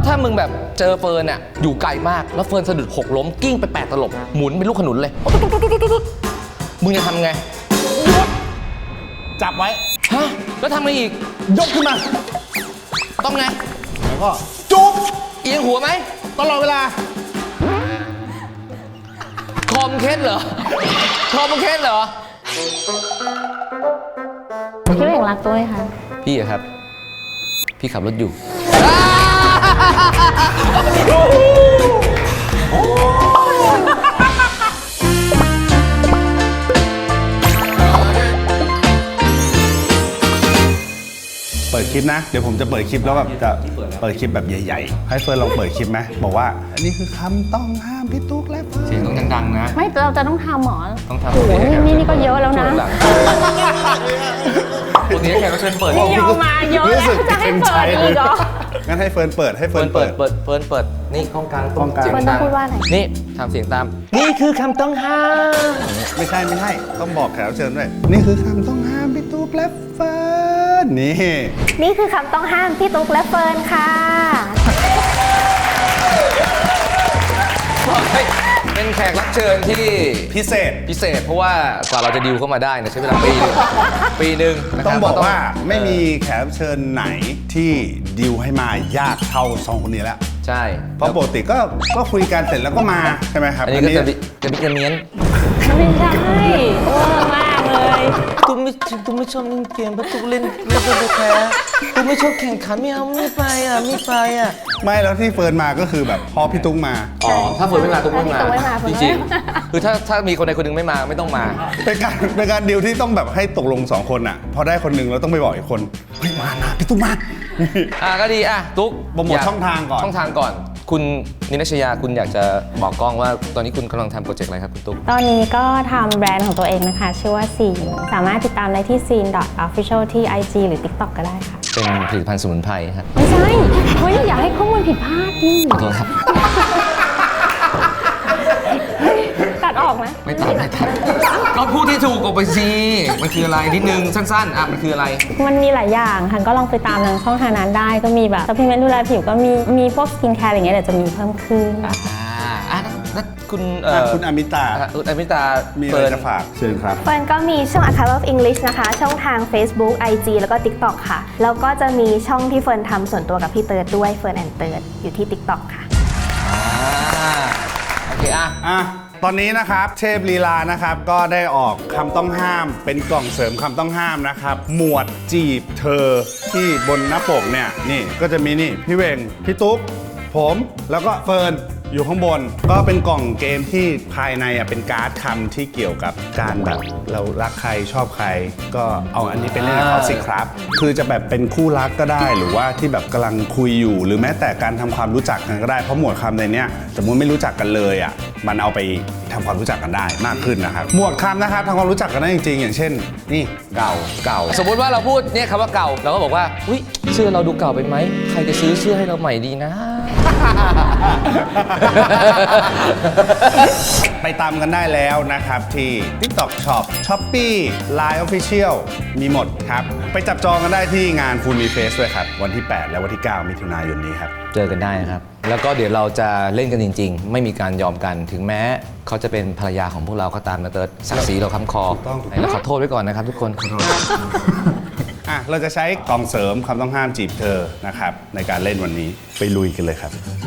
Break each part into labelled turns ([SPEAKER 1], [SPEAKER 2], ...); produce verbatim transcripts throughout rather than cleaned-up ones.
[SPEAKER 1] ถ้ามึงแบบเจอเฟิร์นอ่ะอยู่ไกลมากแล้วเฟิร์นสะดุดหกล้มกิ้งไปแปดตลบหมุนเป็นลูกขนุนเลยมึงจะทำไง
[SPEAKER 2] จับไว้
[SPEAKER 1] ฮะแล้วทำไงอีก
[SPEAKER 2] ยกขึ้นมา
[SPEAKER 1] ต้องไง
[SPEAKER 2] แล้วก็จุ๊บ
[SPEAKER 1] เอียงหัวไหม
[SPEAKER 2] ตลอดเวลา
[SPEAKER 1] คอมเคสเหรอคอมเคสเหรอ
[SPEAKER 3] พี่เบ่งรักตัวไหมคะ
[SPEAKER 1] พี่อะครับพี่ขับรถอยู่
[SPEAKER 2] เปิดคลิปนะเดี๋ยวผมจะเปิดคลิปแล้วแบบจะเปิดคลิปแบบใหญ่ๆให้เฟิร์นลองเปิดคลิปไหมบอกว่าอันนี้คือคำต้องห้ามพี่ตุ๊กและเฟิร์น
[SPEAKER 1] เสียงต้องดังๆนะ
[SPEAKER 3] ไม่เราจะต้องทำหมอ
[SPEAKER 1] ต้องทำ
[SPEAKER 3] โอ้โหนี่นี่ก็เยอะแล้วนะ
[SPEAKER 1] วันนี้แขกก็เชิญเปิด
[SPEAKER 3] นี่ยอมมาเยอะแล้วจะให้เปิดอีกเหรอ
[SPEAKER 2] งั้นให้เฟิร์นเปิดให้เฟิร์น
[SPEAKER 1] เปิดเปิดเฟิร์นเปิดนี่ห้องกลาง
[SPEAKER 2] ห้องกลาง
[SPEAKER 3] เฟิร์นต้องพูดว่าอะไร
[SPEAKER 1] นี่ทำเสียงตามนี่คือคำต้องห้าม
[SPEAKER 2] ไม่ใช่ไม่ใช่ต้องบอกแขกรับเชิญด้วยนี่คือคำต้องห้ามพี่ตุ๊กและเฟิร์นนี่
[SPEAKER 3] นี่คือคำต้องห้ามพี่ตุ๊กและเฟิร์นค่ะ
[SPEAKER 1] เป็นแขกรับเชิญที่
[SPEAKER 2] พิเศษ
[SPEAKER 1] พิเศษเพราะว่ากว่าเราจะดิวเข้ามาได้เนี่ยใช้เวลาปีนึงปีหนึ่ง
[SPEAKER 2] ต้องบอกว่าไม่มีแขกรับเชิญไหนที่ดิวให้มายากเท่าสองคนนี้แล้ว
[SPEAKER 1] ใช่
[SPEAKER 2] เพราะปกติก็ก็คุยกันเสร็จแล้วก็มาใช่ไหมครับ
[SPEAKER 1] อันนี้ก็จะจะมีกระเมียน
[SPEAKER 3] ไม่ใช่เวอร์มากเลย
[SPEAKER 1] ตุ้มไม่ตุ้มไม่ชอบเล่นเกมเพราะตุ้มเล่นเล่นไปแพ้ตุ้มไม่ชอบแข่งขันไม่เอาไม่ไปอ่ะไม่ไปอ่ะ
[SPEAKER 2] ไม่แล้วที่เฟิร์นมาก็คือแบบพอพี่ตุ้งมา
[SPEAKER 1] อ๋อถ้าเฟิร์นไม่มาตุ้มไม่มาจริงๆคือถ้าถ้ามีคนใดคนหนึ่งไม่มาไม่ต้องมา
[SPEAKER 2] เป็นการเป็นการดิวที่ต้องแบบให้ตกลงสองคนอ่ะพอได้คนหนึ่งเราต้องไปบอกอีกคนเฮ้ยมานะพี่ตุ้งมา
[SPEAKER 1] อ่ะก็ดีอ่ะตุ๊ก
[SPEAKER 2] โปรโมทช่องทางก่อน
[SPEAKER 1] ช่องทางก่อนคุณนินชยาคุณอยากจะบอกกล้องว่าตอนนี้คุณกำลังทำโปรเจกต์อะไรครับคุณตุ๊ก
[SPEAKER 3] ตอนนี้ก็ทำแบรนด์ของตัวเองนะคะชื่อว่าซีนสามารถติดตามได้ที่ ซีน official ที่ ไอ จี หรือ ติ๊กต็อก ก็ได้ค่ะ
[SPEAKER 1] เป็นผลิตภัณฑ์สมุนไพรครับ
[SPEAKER 3] ไม่ใช่เฮ้ยอย่าให้ข้อมูลผิดพลาดดิ
[SPEAKER 1] ขอโทษครับ
[SPEAKER 3] ตัดออกไหม
[SPEAKER 1] ไม่ตัดไม่ตัดก็พูดที่ถูกออกไปสิมันคืออะไรนิดนึงสั้นๆอ่ะมันคืออะไร
[SPEAKER 3] มันมีหลายอย่างค่ะก็ลองไปตามทางช่องทางนั้นได้ก็มีแบบซัพพลีเมนต์ดูแลผิวก็มีมีพวกสกินแคร์อะไรเงี้ยเดี๋ยวจะมีเพิ่มขึ้น
[SPEAKER 1] อ่าอ่ะแล้วคุณ
[SPEAKER 2] คุณอมิตา
[SPEAKER 1] คุณอมิตา
[SPEAKER 2] มีอะไรจะฝากเชิญครับ
[SPEAKER 3] เฟิร์นก็มีช่อง Academy of English นะคะช่องทาง Facebook ไอ จี แล้วก็ ติ๊กต็อก ค่ะแล้วก็จะมีช่องที่เฟิร์นทำส่วนตัวกับพี่เติร์ดด้วยเฟิร์นแอนด์เติร์ดอยู่ที่ ติ๊กต็อก ค่ะ
[SPEAKER 1] อ่าโอเคอ่ะ
[SPEAKER 2] อ่ะตอนนี้นะครับเทพลีลานะครับก็ได้ออกคำต้องห้ามเป็นกล่องเสริมคำต้องห้ามนะครับหมวดจีบเธอที่บนหน้าปกเนี่ยนี่ก็จะมีนี่พี่เวงพี่ตุ๊กผมแล้วก็เฟิร์นอยู่ข้างบนก็เป็นกล่องเกมที่ภายในอ่ะเป็นการ์ดคำที่เกี่ยวกับการแบบเรารักใครชอบใครก็เอาอันนี้ไปเล่นกับเขาสิครับคือจะแบบเป็นคู่รักก็ได้หรือว่าที่แบบกำลังคุยอยู่หรือแม้แต่การทำความรู้จักกันก็ได้เพราะหมวดคำในเนี้ยสมมุติไม่รู้จักกันเลยอ่ะมันเอาไปทำความรู้จักกันได้มากขึ้นนะครับหมวดคำนะครับทำความรู้จักกันได้จริงๆอย่างเช่นนี่เก่าเก่า
[SPEAKER 1] สมมติว่าเราพูดเนี่ยคำว่าเก่าเราก็บอกว่าอุ้ยเสื้อเราดูเก่าไปไหมใครจะซื้อเสื้อให้เราใหม่ดีนะ
[SPEAKER 2] ไปตามกันได้แล้วนะครับที่ TikTok Shop Shopee ไลน์ Official มีหมดครับไปจับจองกันได้ที่งาน Full Me Face ด้วยครับวันที่แปดและวันที่เก้ามิถุนายนนี้ครับ
[SPEAKER 1] เจอกันได้ครับแล้วก็เดี๋ยวเราจะเล่นกันจริงๆไม่มีการยอมกันถึงแม้เขาจะเป็นภรรยาของพวกเราก็ตามนะเติร์ดศักดิ์ศรีเราค้ำคอเราขอโทษไว้ก่อนนะครับทุกคนขอโทษ
[SPEAKER 2] อ่ะเราจะใช้กล่องเสริมคำต้องห้ามจีบเธอนะครับในการเล่นวันนี้ไปลุยกันเลยครับ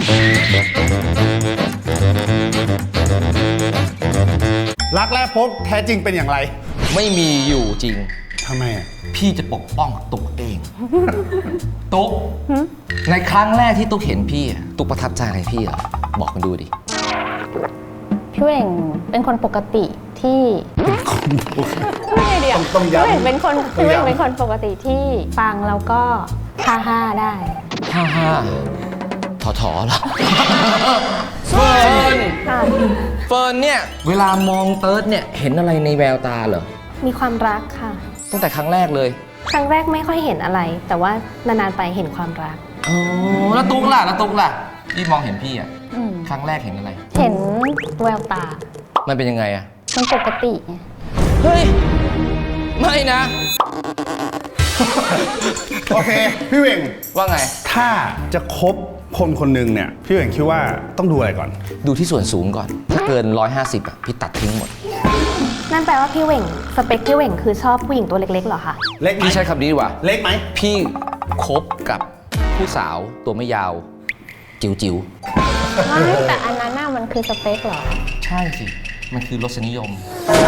[SPEAKER 2] รักแรกพบแท้จริงเป็นอย่างไร
[SPEAKER 1] ไม่มีอยู่จริง
[SPEAKER 2] ทำไมอ่ะ
[SPEAKER 1] พี่จะปกป้องตุ๊กเองตุ๊กในครั้งแรกที่ตุ๊กเห็นพี่ตุ๊กประทับใจอะไรพี่อ่ะบอกมาดูดิ
[SPEAKER 3] พี่เวงเป็นคนปกติที่ไม่เดียว
[SPEAKER 2] ต้องย้ำพี่เวง
[SPEAKER 3] เป็นคนพี่เวงเป็นคนปกติที่ฟังแล้วก็ฮ่าฮ่าได้
[SPEAKER 1] ฮ่าฮ่าถอถอเหรอเฟิร์นเฟิร์นเนี่ยเวลามองเติร์ดเนี่ยเห็นอะไรในแววตาเหรอ
[SPEAKER 3] มีความรักค่ะ
[SPEAKER 1] ตั้งแต่ครั้งแรกเลย
[SPEAKER 3] ครั้งแรกไม่ค่อยเห็นอะไรแต่ว่านานๆไปเห็นความรัก
[SPEAKER 1] อ๋อแล้วตุ๊กล่ะแล้วตุ๊กล่ะพี่มองเห็นพี่อ่ะครั้งแรกเห็นอะไร
[SPEAKER 3] เห็นแววตา
[SPEAKER 1] มันเป็นยังไงอ่ะ
[SPEAKER 3] มันปกติไง
[SPEAKER 1] เฮ้ยไม่นะ
[SPEAKER 2] โอเคพี่เวง
[SPEAKER 1] ว่าไง
[SPEAKER 2] ถ้าจะคบคนคนหนึ่งเนี่ยพี่เหว่งคิดว่าต้องดูอะไรก่อน
[SPEAKER 1] ดูที่ส่วนสูงก่อน ถ้าเกินหนึ่งร้อยห้าสิบอ่ะพี่ตัดทิ้งหมด
[SPEAKER 3] นั่นแปลว่าพี่เหว่งสเปคพี่เหว่งคือชอบผู้หญิงตัวเล็กๆเหรอคะ
[SPEAKER 2] เล็กไหม
[SPEAKER 1] พี่ใช้คำนี้ดีกว่า
[SPEAKER 2] เล็กไหม
[SPEAKER 1] พี่คบกับผู้สาวตัวไม่ยาว จิ๋วจิ๋ว
[SPEAKER 4] ไม่แต่อันนั้นน่ะมันคือสเปคเหรอ
[SPEAKER 1] ๆใช่สิ มันคือรสนิยม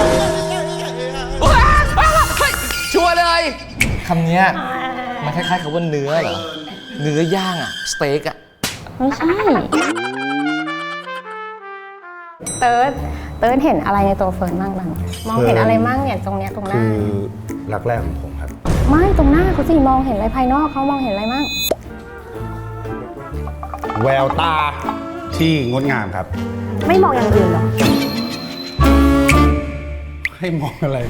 [SPEAKER 1] ชัวร์เลยคำเนี้ยมันคล้ายๆกับว่าเนื้อเหรอ เนื้อย่างอะสเต็กอะ
[SPEAKER 4] ไม่ใช่ เติร์ดเติร์ดเห็นอะไรในตัวเฟิร์นบ้างบ้างมองเห็นอะไรบ้างเนี่ยตรงเนี้ยตรงหน้า
[SPEAKER 2] คือรักแรกของผมครับ
[SPEAKER 4] ไม่ตรงหน้าเขาสิมองเห็นอะไรภายนอกเขามองเห็นอะไรบ้าง
[SPEAKER 2] แววตาที่งดงามครับ
[SPEAKER 3] ไม่มองอย่างอื่นเหรอ
[SPEAKER 2] ให้มองอะไร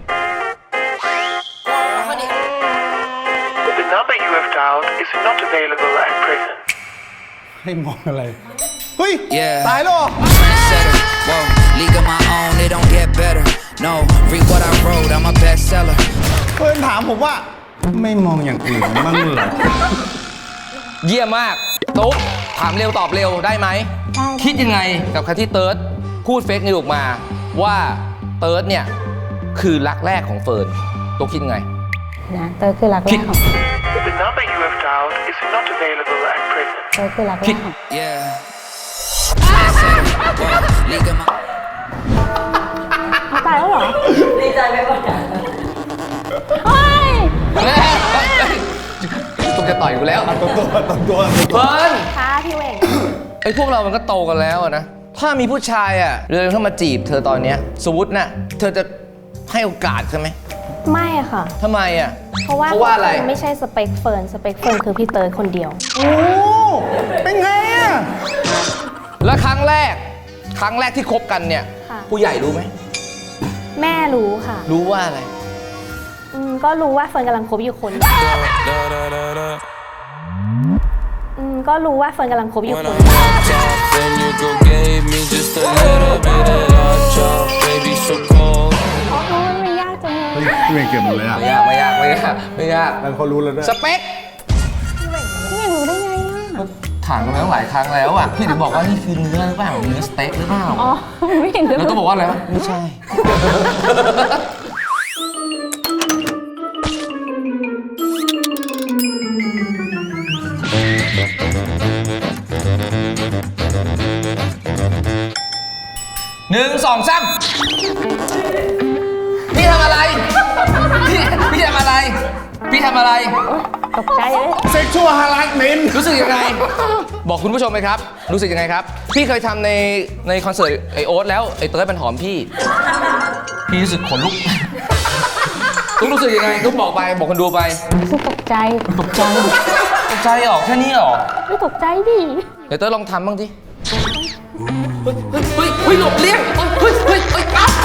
[SPEAKER 5] The number you have dialed is not available at present.
[SPEAKER 2] ให้มองอะไร เฮ้ย
[SPEAKER 6] Yeah.
[SPEAKER 2] ตายแล้วเหรอ
[SPEAKER 6] Trendsetter, whoa, league of my own, it don't get better. No, read what I wrote, I'm a bestseller.
[SPEAKER 2] เพื่อนถามผมว่า ไม่มองอย่างอื่นบ้างเหรอ
[SPEAKER 1] เยี่ยมมาก ตุ๊กถามเร็วตอบเร็วได้ไหม
[SPEAKER 4] ได้
[SPEAKER 1] คิดยังไงกับคำที่เติร์ดพูดเฟกนิวออกมาว่าเติร์ดเนี่ยคือรักแรกของเฟิร์นตุ๊กคิดยังไง
[SPEAKER 4] นะเติร์ดคือรักแรกของ
[SPEAKER 5] The number you have dialed is not available at present.
[SPEAKER 4] เติร์ดคือรักแรกของ
[SPEAKER 6] Yeah. Trendsetter, whoa, league of my
[SPEAKER 3] เขาตายแล้วเหรอ
[SPEAKER 1] ตุ๊กจะต่อยกูแล้ว
[SPEAKER 2] ตัวตัวตัวตัว
[SPEAKER 1] เฟิร์น
[SPEAKER 3] ค่ะพี่เหว่ง
[SPEAKER 1] ไอ้พวกเรามันก็โตกันแล้วอะนะ ถ้ามีผู้ชายอ่ะเดินเข้ามาจีบเธอตอนเนี้ยสมมติน่ะเธอจะให้โอกาสใช่ไหม
[SPEAKER 3] ไม่ค่ะ
[SPEAKER 1] ทำไมอ่ะ
[SPEAKER 3] เพราะว่า
[SPEAKER 1] เพราะว่าอะไร
[SPEAKER 3] ไม่ใช่สเปคเฟิร์นสเปคเฟิร์นคือพี่เติร์ดคนเดียว
[SPEAKER 2] โอ้เป็นไงอ่ะ
[SPEAKER 1] แล้วครั้งแรก ครั้งแรกที่คบกันเนี่ย
[SPEAKER 3] ค่ะ
[SPEAKER 1] ผู้ใหญ่รู้ไหม
[SPEAKER 3] แม่รู้ค่ะ
[SPEAKER 1] รู้ว่าอะไร
[SPEAKER 3] อืมก็รู้ว่าเฟิร์นกำลังคบอยู่คนอืมก็รู้ว่าเฟิร์นกำลังคบอยู่คน
[SPEAKER 6] top, and you go gave me just a little bit of love chop, baby, so cold.
[SPEAKER 4] โอ้ยมันยากจังเลย
[SPEAKER 2] เฮ้ยพี่เวงเก็บหมดเลยอ่ะ
[SPEAKER 1] ไม่ยากไม่ยากไม่ยากไม่ยาก
[SPEAKER 2] แล้วเขารู้แล้วด้วย
[SPEAKER 1] สเปค
[SPEAKER 4] พี่รู้ได้ไงอ่ะ
[SPEAKER 1] ถามกันมาตั้งหลายครั้งแล้วอ่ะ พี่ถึงบอกว่านี่คือเนื้อหรือเปล่าเนื้อสเต็กหรือเปล่า
[SPEAKER 4] อ๋อ ไม่เห็นเลย
[SPEAKER 1] แล้วก็บอกว่าอะไรวะไม่ใช่ หนึ่งสองสามพี่ทำอะไร พี่พี่ทำอะไร พี่ทำอะไร
[SPEAKER 4] ตกใจเลย
[SPEAKER 2] เซ็กชวลฮาร์ดเมน
[SPEAKER 1] รู้สึกยังไง บอกคุณผู้ชมไหมครับ รู้สึกยังไงครับ พี่เคยทำในในคอนเสิร์ตไอโอ๊ตแล้วไอเติร์ดมันหอมพี่ พี่รู้สึกขนลุก ตุ๊กรู้สึกยังไงตุ๊กบอกไปบอกคนดูไป
[SPEAKER 4] คือตกใจ
[SPEAKER 1] ตกใจตกใจหรอแค่นี้หรอ
[SPEAKER 4] ไม่ตกใจดิ
[SPEAKER 1] เดี๋ยวเติร์ดลองทำบ้างดิเฮ้ยเฮ้ยเฮ้ยเฮ้ยหลบเลี่ยงเฮ้ยเฮ้ยเฮ้ยอ้าว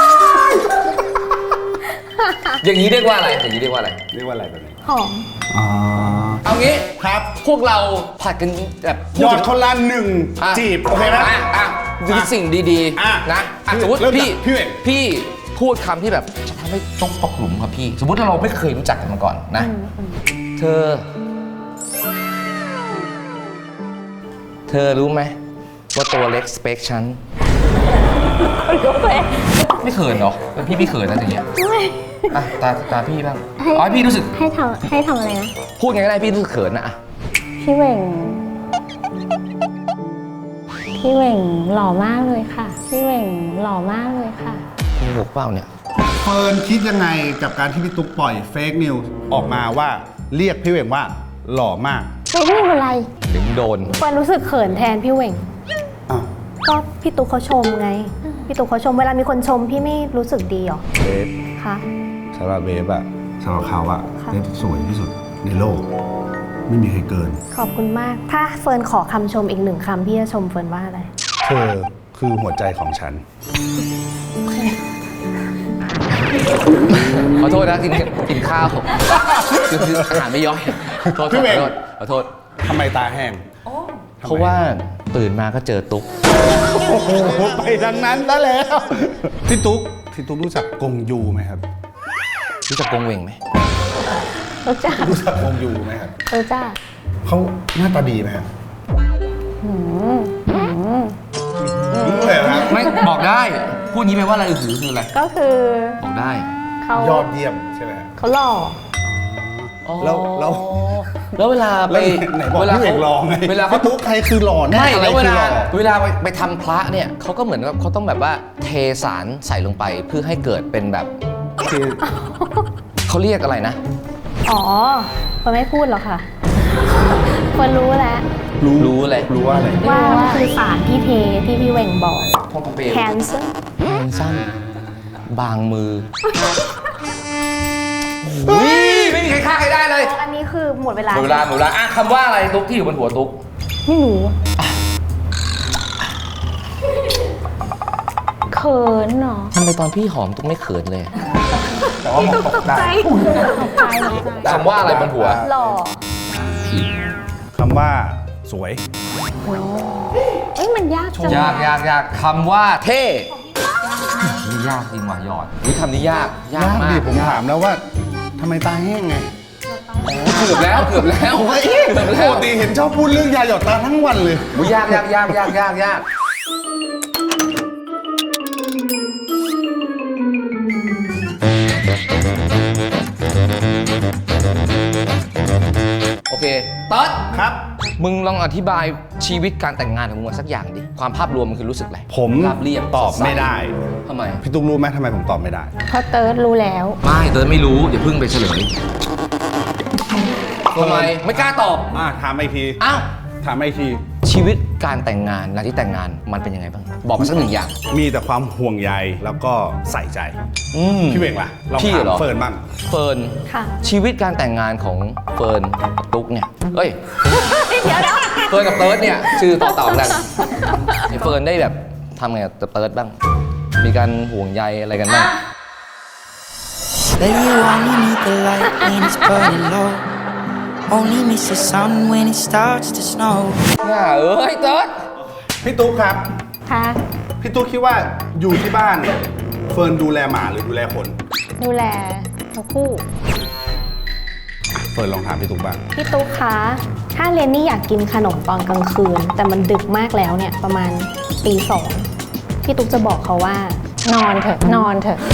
[SPEAKER 1] อย่างนี้เรียกว่าอะไร อย่างนี้เรียกว่าอะไร
[SPEAKER 2] เรียกว่าอะไรแบบนี้
[SPEAKER 3] หอม
[SPEAKER 2] อ๋อ
[SPEAKER 1] เอางี้
[SPEAKER 2] ครับ
[SPEAKER 1] พวกเราผัดกันแบบ
[SPEAKER 2] ยอดคนละหนึ่ง
[SPEAKER 1] อ่ะ
[SPEAKER 2] จีบ โอเคไหม
[SPEAKER 1] อ่ะอ่ะดูสิ่งดี
[SPEAKER 2] อ่ะ
[SPEAKER 1] ๆนะอ่ะสมมติ
[SPEAKER 2] เริ่มจาก
[SPEAKER 1] พี่
[SPEAKER 2] พี่เวง
[SPEAKER 1] พี่พูดคำที่แบบจะทำให้ต้องตกหลุมครับพี่ สมมติถ้าเราไม่เคยรู้จักกันมาก่อนนะ เธอ เธอรู้ไหมว่าตัวเล็กสเปคฉันไม่เขินเหรอแล้วพี่พี่เขินนะอย่างเงี้ยอ่ะตาตาพี่บ้างอ๋อให้พี่รู้สึก
[SPEAKER 4] ให้ทำให้ทำอะไรนะ
[SPEAKER 1] พูดไงก็ได้พี่รู้สึกเขินนะอ่ะ
[SPEAKER 4] พี่เหว่ง พี่เหว่งหล่อมากเลยค่ะ พี่เหว่งหล่อมากเลยค่ะ
[SPEAKER 1] โกหกเปล่าเนี่ย
[SPEAKER 2] เฟิร์นคิดยังไงกับการที่พี่ตุ๊กปล่อยเฟกนิวส์ออกมาว่าเรียกพี่เหวงว่าหล่อมาก
[SPEAKER 4] ไม่ได้อะไร
[SPEAKER 1] ถึงโดน
[SPEAKER 3] เฟิร์นรู้สึกเขินแทนพี่เหว่ง
[SPEAKER 2] อ้าว
[SPEAKER 3] ก็พี่ตุ๊กเขาชมไง พี่ตุ๊กเขาชมเวลามีคนชมพี่ไม่รู้สึกดีหรอ
[SPEAKER 2] เบฟ
[SPEAKER 3] คะ
[SPEAKER 2] สำหรับเบฟอะสำหรับเขาอะ
[SPEAKER 3] ค่ะ
[SPEAKER 2] เบฟสวยที่สุดในโลก ไม่มีใครเกิน
[SPEAKER 3] ขอบคุณมาก ถ้าเฟิร์นขอคำชมอีกหนึ่งคำพี่จะชมเฟิร์นว่าอะไร
[SPEAKER 2] เธอคือหัวใจของฉัน
[SPEAKER 1] ขอโทษนะกินกินข้าวคือคืออาหารไม่ย่อยโทษ
[SPEAKER 2] พี่
[SPEAKER 1] ข
[SPEAKER 2] เว
[SPEAKER 1] อง โทษขอโทษ
[SPEAKER 2] ทำไมตาแห้ง
[SPEAKER 1] เพราะว่าตื่นมาก็เจอตุ๊ก
[SPEAKER 2] โอ้โห ไปทางนั้นซะแล้ว พี่ตุ๊ก พี่ตุ๊กรู้จักกงยูไหมครับ
[SPEAKER 1] รู้จักกงเหวงไหม
[SPEAKER 4] รู้จัก
[SPEAKER 2] รู้จักกงยูไหมครับ
[SPEAKER 4] รู้จัก
[SPEAKER 2] เขาหน้าตาดีไหมครับ
[SPEAKER 1] ได้ พูดนี้แปลว่าอะไรอือหือคืออะไร
[SPEAKER 4] ก็คือ
[SPEAKER 1] บอกได้
[SPEAKER 4] เขา
[SPEAKER 2] ยอดเยี่ยมใช่ไหม
[SPEAKER 4] เขาหล่อ
[SPEAKER 2] แล้วแล้ว
[SPEAKER 1] แล้วเวลาไป
[SPEAKER 2] แล้วไหนบอก
[SPEAKER 1] เวลา
[SPEAKER 2] พี่เอกลองไง
[SPEAKER 1] เวลาเขา
[SPEAKER 2] พี่ตุ๊กใครคือหล่อแน่
[SPEAKER 1] ไม่
[SPEAKER 2] อะไร
[SPEAKER 1] แล้วเว
[SPEAKER 2] คือ
[SPEAKER 1] ลา
[SPEAKER 2] หล่อ
[SPEAKER 1] เวลาไปไปทำพระเนี่ยเขาก็เหมือนกับเขาต้องแบบว่าเทสารใส่ลงไปเพื่อให้เกิดเป็นแบบคือเขาเรียกอะไรนะ
[SPEAKER 3] อ๋อเฟิร์นไม่พูดหรอกค่ะเฟิร์นรู้แล้ว
[SPEAKER 2] รู้
[SPEAKER 1] รู้เลย
[SPEAKER 2] รู้ว่าอะไร
[SPEAKER 3] ว่ามันคือสารที่เทที่พี่เวงบอก
[SPEAKER 1] พ่อพระเปร
[SPEAKER 3] แคนเซอร์
[SPEAKER 1] แขนสั้นบางมืออุ้ยไม่มีใครฆ่าใครได้เลย
[SPEAKER 3] อันนี้คือหมดเวลา
[SPEAKER 1] หมดเวลาหมดเวลาอ่ะคำว่าอะไรตุ๊กที่อยู่บนหัวตุ๊ก
[SPEAKER 4] ไม่รู้เขินเนาะ
[SPEAKER 1] ทำไมตอนพี่หอมตุ๊กไม่เขินเลย
[SPEAKER 2] แต่ว่าผมตกได้
[SPEAKER 4] ตายแล้ว
[SPEAKER 1] คำว่าอะไรบนหัว
[SPEAKER 3] หล่อ
[SPEAKER 2] คำว่าสวย
[SPEAKER 4] เอ้ยมันยากจัง
[SPEAKER 1] ยากยากยากคำว่าเท่นี่ยากจริงว่ะหยอดอุ้ยคำนี้ยากยาก
[SPEAKER 2] ยาก
[SPEAKER 1] มา
[SPEAKER 2] ดิ
[SPEAKER 1] ก
[SPEAKER 2] ผมถามแล้วว่าทำไมตาแห้งไง
[SPEAKER 1] เกือบแล้วเกือบแล้ว
[SPEAKER 2] ผมว่า
[SPEAKER 1] เกื
[SPEAKER 2] เอ๊ะ
[SPEAKER 1] อบ
[SPEAKER 2] ป
[SPEAKER 1] แล้ว
[SPEAKER 2] กติเห็นชอบพูดเรื่องยาหยอดตาทั้งวันเลย
[SPEAKER 1] อุ้ยยากยากยากยากยากยากโอเคเติร์ด
[SPEAKER 2] ครับ
[SPEAKER 1] มึงลองอธิบายชีวิตการแต่งงานของมึงมาสักอย่างดิ ความภาพรวมมันคือรู้สึกอะไร
[SPEAKER 2] ผม
[SPEAKER 1] ราบเรียบ
[SPEAKER 2] ตอบไม่ได้
[SPEAKER 1] ทำไม
[SPEAKER 2] พี่ตุ๊กรู้ไหมทำไมผมตอบไม่ได้
[SPEAKER 4] เพราะเติร์ดรู้แล้ว
[SPEAKER 1] ไม่เติร์ดไม่รู้อย่าเพิ่งไปเฉลยทำไมไม่กล้าตอบ
[SPEAKER 2] อ่าถามอีกที
[SPEAKER 1] อ้าว
[SPEAKER 2] ถามอีกที
[SPEAKER 1] ชีวิตการแต่งงานหลังที่แต่งงานมันเป็นยังไงบ้าง บอกมาสักหนึ่งอย่าง
[SPEAKER 2] มีแต่ความห่วงใยแล้วก็ใส่ใจ
[SPEAKER 1] อืม
[SPEAKER 2] พี่เวงล่ะลอง
[SPEAKER 1] พี่
[SPEAKER 2] ถาม
[SPEAKER 1] เหรอ
[SPEAKER 2] เฟิร์นบ้าง
[SPEAKER 1] เฟิร์น
[SPEAKER 3] ค่ะ
[SPEAKER 1] ชีวิตการแต่งงานของเฟิร์นกับตุ๊กเนี่ยเอ้ย
[SPEAKER 3] เดี๋ยวนะ
[SPEAKER 1] เฟิร์นกับเติร์ดเนี่ยชื่อต่อเต่ากันไอ้เฟิร์นได้แบบทำไงกับเติร์ดบ้าง มีการห่วงใยอะไรกันบ้าง
[SPEAKER 7] Baby, you only need the light when it's burning low. Only miss the sun when it starts to snow.
[SPEAKER 1] น่าเอ้ยเติร์ด
[SPEAKER 2] พี่ตุ๊กครับ
[SPEAKER 4] ค่ะ
[SPEAKER 2] พี่ตุ๊กคิดว่าอยู่ที่บ้านเฟิร์นดูแลหมาหรือดูแลคน
[SPEAKER 4] ดูแลทั้งคู่
[SPEAKER 2] เฟิร์นลองถามพี่ตุ๊กบ้าง
[SPEAKER 3] พี่ตุ๊กคะ ถ้าเรนนี่อยากกินขนมตอนกลางคืน แต่มันดึกมากแล้วเนี่ย ประมาณตีสองพี่ตุ๊กจะบอกเขาว่า
[SPEAKER 4] นอนเถอะนอนเถอะ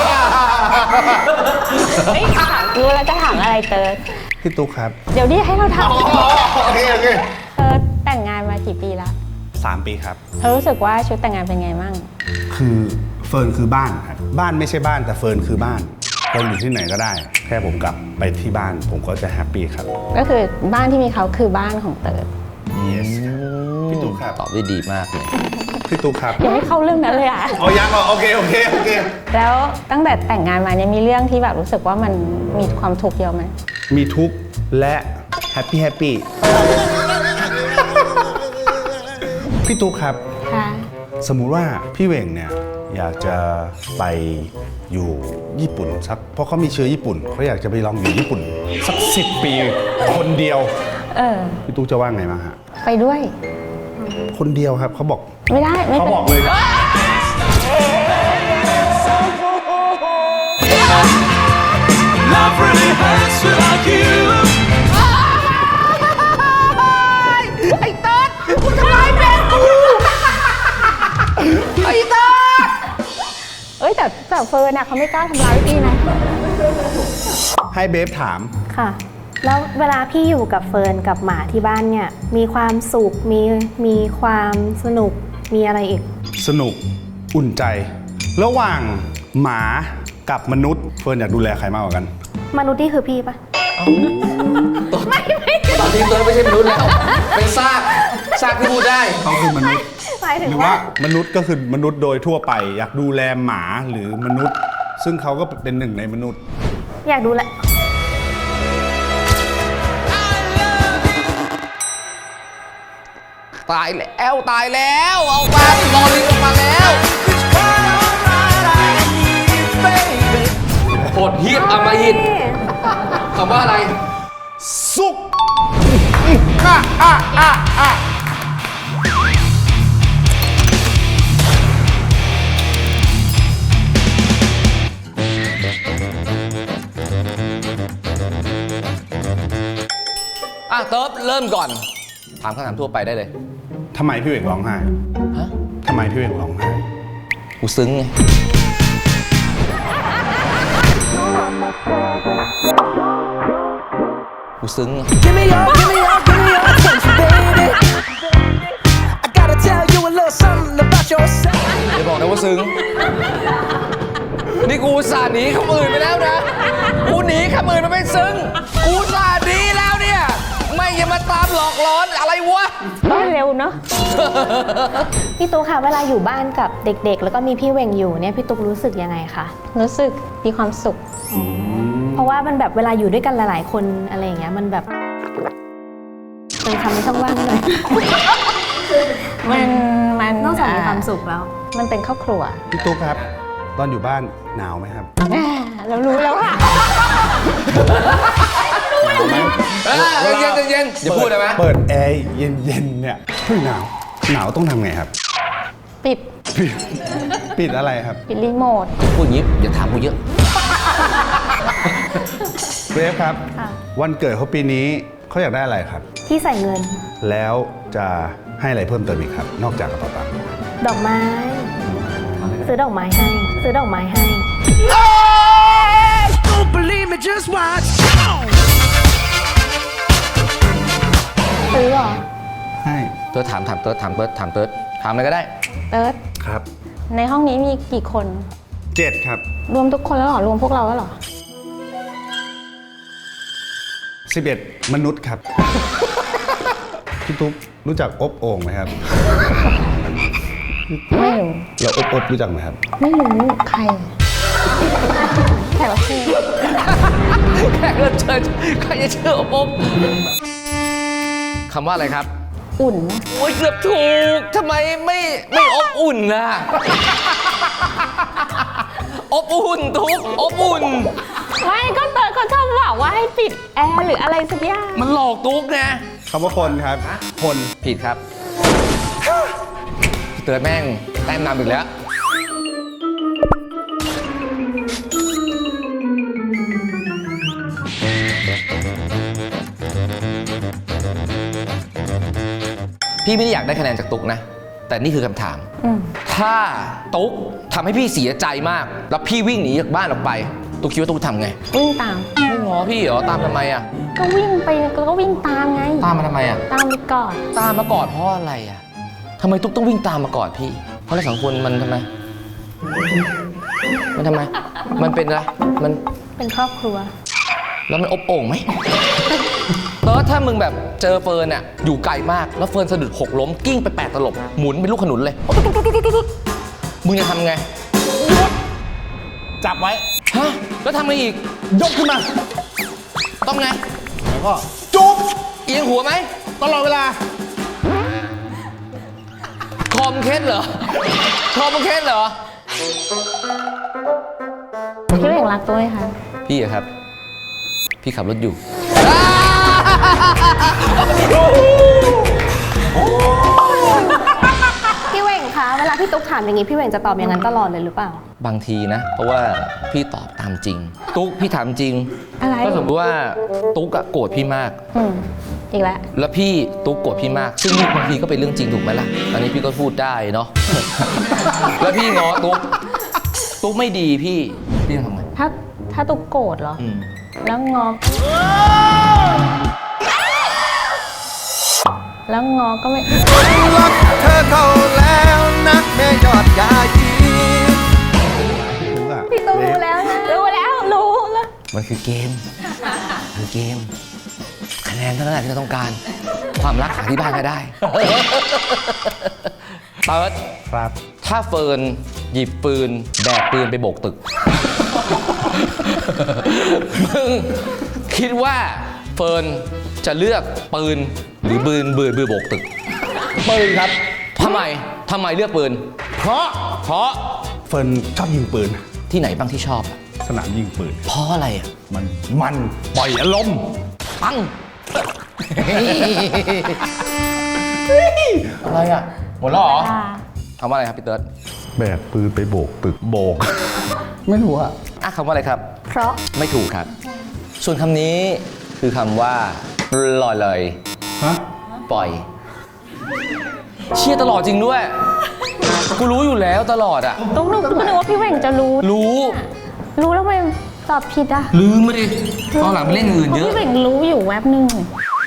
[SPEAKER 4] เฮ้ยถามรู้แล้วจะถามอะไรเติร์ด
[SPEAKER 2] พี่ตุ๊กครับ
[SPEAKER 4] เดี๋ยวนี้ให้เราถาม
[SPEAKER 2] โอเคโอเค
[SPEAKER 4] เติร์ดแต่งงานมากี่ปีแล้ว
[SPEAKER 2] สามปีครับ
[SPEAKER 4] เธอรู้สึกว่าชุดแต่งงานเป็นไงมั่ง
[SPEAKER 2] คือเฟิร์นคือบ้านครับบ้านไม่ใช่บ้านแต่เฟิร์นคือบ้านเฟิร์นอยู่ที่ไหนก็ได้ แค่ผมกลับไปที่บ้านผมก็จะแฮปปี้ครับ
[SPEAKER 4] ก็คือบ้านที่มีเขาคือบ้านของเติร์ด
[SPEAKER 2] yes พี่ตุ๊กครับ
[SPEAKER 1] ตอบได้ดีมากเลย
[SPEAKER 2] พี่ตุ๊กครับ
[SPEAKER 4] ยังไม่เข้าเรื่องนั้นเลยอ่ะ
[SPEAKER 2] เอายังเหรอโอเคโอเคโอเค
[SPEAKER 4] แล้วตั้งแต่แต่งงานมาเนี่ยมีเรื่องที่แบบรู้สึกว่ามันมีความทุกข์เยอะไหม
[SPEAKER 2] มีทุกข์และแฮปปี้แฮปปี้พี่ตุ๊กครับ
[SPEAKER 4] ค่ะ
[SPEAKER 2] สมมุติว่าพี่เหว่งเนี่ยอยากจะไปอยู่ญี่ปุ่นสักเพราะเขามีเชื้อญี่ปุ่นเขาอยากจะไปลองอยู่ญี่ปุ่น สักสิบปีคนเดียว
[SPEAKER 4] เออ
[SPEAKER 2] พี่ตุ๊กจะว่าไงบ้างฮะ
[SPEAKER 4] ไปด้วย
[SPEAKER 2] คนเดียวครับเขาบอก
[SPEAKER 4] ไม่ได้ไม่
[SPEAKER 2] เขา
[SPEAKER 4] เป็น
[SPEAKER 2] บอกเลยครับ
[SPEAKER 6] Love really hurts without you.
[SPEAKER 4] เอ้ยแต่แต่เฟิร์นน่ะเขาไม่กล้าทำร้ายพี่นะ
[SPEAKER 2] ให้เบฟถาม
[SPEAKER 3] ค่ะ แล้วเวลาพี่อยู่กับเฟิร์นกับหมาที่บ้านเนี่ย มีความสุข มีมีความสนุก มีอะไรอีก
[SPEAKER 2] สนุกอุ่นใจ ระหว่างหมากับมนุษย์เฟิร์นอยากดูแลใครมากกว่ากัน
[SPEAKER 3] มนุษย์นี่คือพี่ปะ
[SPEAKER 1] ตอนนี้เติร์ดไม่ใช่มนุษย์แล้ว เป็นซากซากที่พูดได้
[SPEAKER 2] เขาคือมนุษย์
[SPEAKER 3] หมายถึ
[SPEAKER 2] ห
[SPEAKER 3] ง
[SPEAKER 2] รือ
[SPEAKER 3] ว่า
[SPEAKER 2] ว่ามนุษย์ก็คือมนุษย์โดยทั่วไป อยากดูแลหมาหรือมนุษย์ ซึ่งเขาก็เป็นหนึ่งในมนุษย์
[SPEAKER 3] อยากดูแล
[SPEAKER 1] ตายแล้วตายแล้วเอามาลอลิงออกมาแล้วโหดเหี้ยมอำมหิตคำว่าอะไร
[SPEAKER 2] สุกอ่ะอ่ะอ่ะอ่ะ
[SPEAKER 1] อ่ะเติร์ดเริ่มก่อน ถามคำถามทั่วไปได้เลย
[SPEAKER 2] ทำไมพี่เหว่งร้องไห้
[SPEAKER 1] ฮะ
[SPEAKER 2] ทำไมพี่เหว่งร้องไห้
[SPEAKER 1] กูซึ้งไงกูซึ้งไง
[SPEAKER 8] Give me your, give me your, give me your attention, baby. I gotta tell you a little something about yourself.
[SPEAKER 1] อย่าบอกนะว่าซึ้ง นี่กูอุตสาห์หนีคำอื่นไปแล้วนะ กูหนีคำอื่นมาไม่ซึ้ง กูอุตสาห์หนีแล้วเนี่ย ไม่อย่ามาตามหลอกหลอนอะไรวะ
[SPEAKER 4] ก็เร็วเนาะ
[SPEAKER 3] พี่ตุ๊กค่ะเวลาอยู่บ้านกับเด็กๆ แล้วก็มีพี่เวงอยู่เนี่ยพี่ตุ๊กรู้สึกยังไงคะ
[SPEAKER 4] รู้สึกมีความสุข
[SPEAKER 3] เพราะว่ามันแบบเวลาอยู่ด้วยกันหลายๆ คนอะไรอย่างเงี้ยมันแบบเป็นคำในช่องว่างหน่อย
[SPEAKER 4] มันมัน
[SPEAKER 3] นอกจากมีความสุขแล้ว
[SPEAKER 4] มันเป็นครอบครัว
[SPEAKER 2] พี่ตุ๊กครับ ตอนอยู่บ้านหนาวไหมครับ
[SPEAKER 4] แหม่เรารู้แล้วค่ะ
[SPEAKER 1] เอ้ยเย็นๆเย็นๆอย่าพูดได้ไหม
[SPEAKER 2] เปิดแอร์เย็นๆเนี่ยเฮ้ยหนาวหนาวต้องทำไงครับ
[SPEAKER 4] ปิด
[SPEAKER 2] ปิดปิดอะไรครับ
[SPEAKER 4] ปิดรีโมท
[SPEAKER 1] พูดอย่างนี้อย่าถามกูเยอะ
[SPEAKER 2] เกรฟครับ
[SPEAKER 3] ค่ะ
[SPEAKER 2] วันเกิดเขาปีนี้เขาอยากได้อะไรครับ
[SPEAKER 3] ที่ใส่เงิน
[SPEAKER 2] แล้วจะให้อะไรเพิ่มเติมอีกครับ นอกจากกระเป๋าตังค์
[SPEAKER 3] ดอกไม้ ซื้อดอกไม้ให้ ซื้อดอกไม้ให้
[SPEAKER 8] Don't believe me, just watch.
[SPEAKER 3] ซื้อเหรอ
[SPEAKER 2] ให้
[SPEAKER 1] เติร์ดถามถามเติร์ดถามเติร์ดถามเติร์ดถามอะไรก็ได้
[SPEAKER 4] เติร์ด
[SPEAKER 2] ครับ
[SPEAKER 4] ในห้องนี้มีกี่คน
[SPEAKER 2] เจ็ดครับ
[SPEAKER 4] รวมทุกคนแล้วเหรอ รวมพวกเราแล้วเหรอ
[SPEAKER 2] สิบเอ็ดมนุษย์ครับ พี่ตุ๊กรู้จักอบโอ่งไหมครับ
[SPEAKER 4] ไม่รู้
[SPEAKER 2] เราอบอบรู้จักไหมครับ
[SPEAKER 4] ไม่รู้ใครแขกรับเชิญ
[SPEAKER 1] แขกรับเชิญใครจะเชื่อผมคำว่าอะไรครับ
[SPEAKER 4] อุ่นนะ
[SPEAKER 1] โอ้ยเกือบถูกทำไมไม่ไม่อบอุ่นล่ะ อบอุ่นทุกอบอุ่น
[SPEAKER 4] ไม่ก็เติร์ดเขาชอบบอกว่าให้ปิดแอร์หรืออะไรสักอย่าง
[SPEAKER 1] มันหลอกตุ๊กไง
[SPEAKER 2] คำว่าคนครับ คน
[SPEAKER 1] ผิดครับเตือนแม่งแต้มนำอีกแล้ว พี่ไม่ได้อยากได้คะแนนจากตุ๊กนะ แต่นี่คือคำถาม
[SPEAKER 4] อืม
[SPEAKER 1] ถ้าตุ๊กทำให้พี่เสียใจมาก แล้วพี่วิ่งหนีจากบ้านออกไป ตุ๊กคิดว่าตุ๊กทำไง
[SPEAKER 4] วิ่งตาม
[SPEAKER 1] ไม่ง้อพี่เหรอ ตามทำไมอ่ะ
[SPEAKER 4] ก็วิ่งไปก็วิ่งตามไง
[SPEAKER 1] ตามมาทำไมอ่ะ
[SPEAKER 4] ตามไปก่อน
[SPEAKER 1] ตามมากอดเพราะอะไรอ่ะทำไมตุ๊กต้องวิ่งตามมากอดพี่ เพราะเราสองคนมันทำไม มันทำไม มันเป็นอะไร มัน
[SPEAKER 3] เป็นครอบครัว
[SPEAKER 1] แล้วมันอบโอ่งไหม เออถ้ามึงแบบเจอเฟิร์นอ่ะอยู่ไกลมาก แล้วเฟิร์นสะดุดหกล้มกิ้งไปแปดตลบ หมุนเป็นลูกขนุนเลย มึงจะทำไง
[SPEAKER 2] จับไว้
[SPEAKER 1] ฮะ แล้วทำไงอีก
[SPEAKER 2] ยกขึ้นมา
[SPEAKER 1] ต้องไง
[SPEAKER 2] แล้วก็จุ๊บ
[SPEAKER 1] เอียงหัวไหม
[SPEAKER 2] ตลอดเวลา
[SPEAKER 1] คอมเคสเหรอ คอมเคสเหรอ
[SPEAKER 4] พี่เบ่งรักตัวไหมคะ
[SPEAKER 1] พี่อะครับ พี่ขับรถอยู่
[SPEAKER 3] พี่เวงคะเวลาพี่ตุ๊กถามอย่างงี้พี่เวงจะตอบอย่างนั้นตลอดเลยหรือเปล่า
[SPEAKER 1] บางทีนะ เพราะว่าพี่ตอบตามจริง ตุ๊กพี่ถามจริง
[SPEAKER 4] อะไร
[SPEAKER 1] ก็สมมติว่าตุ๊กอะโกรธพี่มาก
[SPEAKER 4] อืมอีกแล้ว
[SPEAKER 1] แล้วพี่ตุ๊กโกรธพี่มาก ซึ่งนี่บางทีก็เป็นเรื่องจริงถูกไหมล่ะ อันนี้พี่ก็พูดได้เนาะ แล้วพี่ง้อตุ๊ก ตุ๊กไม่ดีพี่พี่ทำไง
[SPEAKER 4] ถ้าถ้าตุกโกรธเหรอ
[SPEAKER 1] อืม
[SPEAKER 4] แล้วงอ แล้วงอก็ไม่
[SPEAKER 8] รักเธอเข้าแล้วนักแม่ยอดยายี
[SPEAKER 2] รู้อะ
[SPEAKER 3] พี่ตุ๊กรู้แล้วนะ
[SPEAKER 4] รู้แล้วรู้แล้ว
[SPEAKER 1] มันคือเกมมันเกม คะแนนเท่านั้นแหละที่เราต้องการ ความรักหาที่บ้านก็ได้ เติร์ด
[SPEAKER 2] ครับ
[SPEAKER 1] ถ้าเฟิร์นหยิบปืนแบกปืนไปโบกตึก มึงคิดว่าเฟิร์นจะเลือกปืนหรือปืนบืนบืนโบกตึก ปืนครับทำไมทำไมเลือกปืน เพราะเพราะ
[SPEAKER 2] เฟิร์นชอบยิงปืน
[SPEAKER 1] ที่ไหนบ้างที่ชอบอะ
[SPEAKER 2] สนามยิงปืน
[SPEAKER 1] เพราะอะไรอ่ะ
[SPEAKER 2] มันมันปล่อยอารมณ์
[SPEAKER 1] ปัง อะไรอ่ะ หมดแล้วเหรอคำว่าอะไรครับพี่เติร์ด
[SPEAKER 2] แบกปืนไปโบกตึกโบก ไม่รู้อะ
[SPEAKER 1] อ่ะคำว่าอะไรครับ
[SPEAKER 3] เพราะ
[SPEAKER 1] ไม่ถูกครับ ส่วนคำนี้คือคำว่าลอยเลย
[SPEAKER 2] ฮะ
[SPEAKER 1] ปล่อย เชียร์ตลอดจริงด้วยกูรู้อยู่แล้วตลอดอ่ะ
[SPEAKER 4] ตุ๊กนึกก็นึกว่าพี่เหว่งจะรู้
[SPEAKER 1] รู้
[SPEAKER 4] รู้แล้วทำไมตอบผิดอ่ะ
[SPEAKER 1] ลืมไม่ได้ตอนหลังไปเล่นอื่น
[SPEAKER 4] เพราะ
[SPEAKER 1] เยอะ
[SPEAKER 4] พี่เหว่งรู้อยู่แวบหนึ่ง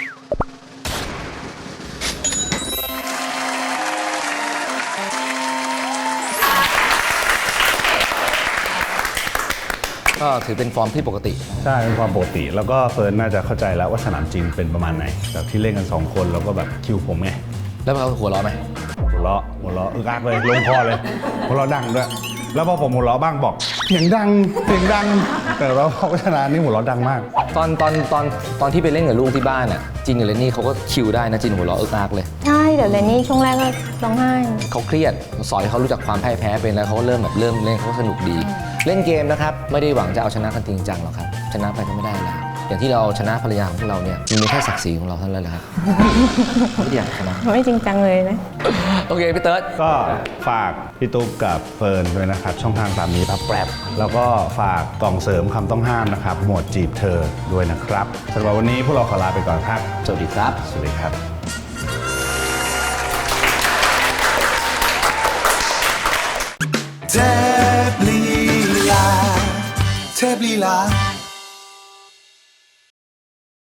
[SPEAKER 1] ก็ถือเป็นฟอร์มที่ปกติ
[SPEAKER 2] ใช่เป็นความปกติ แล้วก็เฟิร์นน่าจะเข้าใจแล้วว่าสนามจริงเป็นประมาณไหนแบบที่เล่นกันสองคนแล้วก็แบบคิวผมไง
[SPEAKER 1] แล้วเขาหัวเราะไหม
[SPEAKER 2] หัวเราะหัวเราะอึกอักเลยลงคอเลยหัวเราะดังด้วยแล้วพอผมหัวเราะบ้างบอกเสียงดังเสียงดัง แต่ว่าพอชนะนี่หัวเราะดังมาก
[SPEAKER 1] ตอนตอนตอนตอนที่ไปเล่นกับลูกที่บ้านอ่ะจินกับเลนนี่เขาก็คิวได้นะจินหัวเราะเอิกอักเลย
[SPEAKER 4] ใช่เดี๋ยวเลนนี่ช่วงแรกก็ร้องไห้
[SPEAKER 1] เขาเครียดสอนให้เขารู้จักความพ่ายแพ้เป็นแล้วเขาก็เริ่มแบบเริ่มเล่นเขาก็สนุกดี เล่นเกมนะครับไม่ได้หวังจะเอาชนะกันจริงจังหรอกครับชนะไปก็ไม่ได้แล้วอย่างที่เราชนะภรรยาของพวกเราเนี่ยมันมีแค่ศักดิ์ศรีของเราเท่านั้นแหละครับ ไม่ได้อยากชนะ
[SPEAKER 4] ไม่จริงจังเลยนะ
[SPEAKER 1] โอเคพี่เติร์ด
[SPEAKER 2] ก็ฝากพี่ตุ๊กกับเฟิร์นด้วยนะครับช่องทางตามนี้พับแปรบแล้วก็ฝากกล่องเสริมคำต้องห้ามนะครับหมวดจีบเธอด้วยนะครับสำหรับวันนี้พวกเราขอลาไปก่อนครับ
[SPEAKER 1] สวัสดีครับ
[SPEAKER 2] สวัสดีครับ
[SPEAKER 8] เทพลีลาเทพลีลา